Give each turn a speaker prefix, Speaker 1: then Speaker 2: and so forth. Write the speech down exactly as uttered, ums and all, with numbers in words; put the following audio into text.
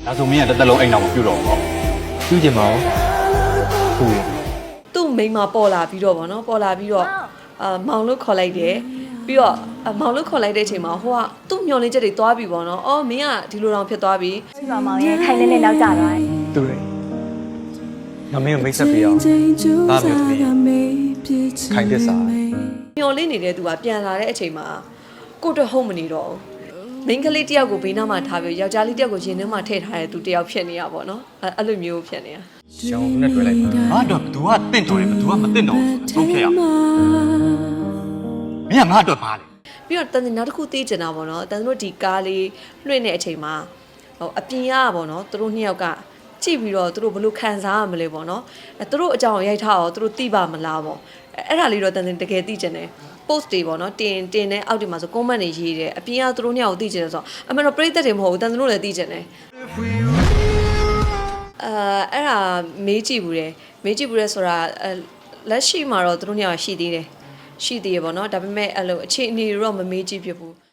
Speaker 1: ဒါဆိုမင်းကတစ်သက်လုံးအိမ်တော်မပြုတ်တော့ဘူးပေါ့ပြုတ်ချင်ပါဦးဟုတ်
Speaker 2: သူ့မိန်းမပေါ်လာပြီးတော့ဗောနော်ပေါ်လာပြီးတော့အာမောင်လို့ခေါ်လိုက်တယ်ပြီးတော့မောင်လို့ခေါ်လိုက်တဲ့အချိန်မှာဟိုကသူ့မျောလင်းချက်တွေသွားပြီဗောနော်အော်မင်းကဒီလိုတောင်ဖြစ်သွားပြီ
Speaker 3: ဒီမှာမောင်ရဲ့ခိုင်နေနေနောက်ကျသွားတယ်
Speaker 1: တူတယ်ငါမင်းကိုမိတ်ဆက်ပေးအောင်ဒါမျိုးသမီးခိုင်တစ္စာ
Speaker 2: မျောလင်းနေတဲ့သူကပြန်လာတဲ့အချိန်မှာကိုတော့ဟုတ်မနေတော့ဘူးမိန်းကလေးတယောက်ကိုဘေးနားမှာထားပြီးယောက်ျားလေးတယောက်ကိုရင်ထဲမှာထည့်ထားတဲ့သူတယောက်ဖြစ်နေရပါတော့အဲ့အဲ့လိုမျိုးဖြစ်နေတာ
Speaker 1: ရှောင်းနဲ့တွေ့လိုက်ငါတော့ဘသူကတင့်တော်တယ်ဘသူကမတင့်တော်ဘူးသုံးဖြတ်ရမင်းကငါအတွက်ပါလေ
Speaker 2: ပြီးတော့တန်နောက်တစ်ခုသိချင်တာပေါ့နော်တန်တို့ဒီကားလေးလွှင့်တဲ့အချိန်မှာဟိုအပြင်ကပေါ့နော်သူတို့နှစ်ယောက်ကကြည့်ပြီးတော့သူတို့ဘလို့ခံစားရမလဲပေါ့နော်အဲသူတို့အကြောင်းရိုက်ထားတော့သူတို့သိပါမလားပေါ့အဲ့ဒါလေးတော့တန်တကယ်သိချင်တယ် post တွေပေါ့နော်တင်တင်တဲ့အောက်တွေမှာဆို comment တွေရေးတယ်အပြင်ကသူတို့နှစ်ယောက်ကိုသိချင်တယ်ဆိုတော့အမှန်တော့ပရိသတ်တွေမဟုတ်ဘူးတန်တို့လည်းသိချင်တယ်အာအဲ့ဒါမေးကြည့်ဘူးတယ်မေးကြည့်ဘူးတယ်ဆိုတာလက်ရှိမှာတော့သူတို့နှစ်ယောက်ရှိသေးတယ်ရှိသေးရပေါ့နော်ဒါပေမဲ့အဲ့လိုအခြေအနေတွေတော့မမေးကြည့်ဖြစ်ဘူး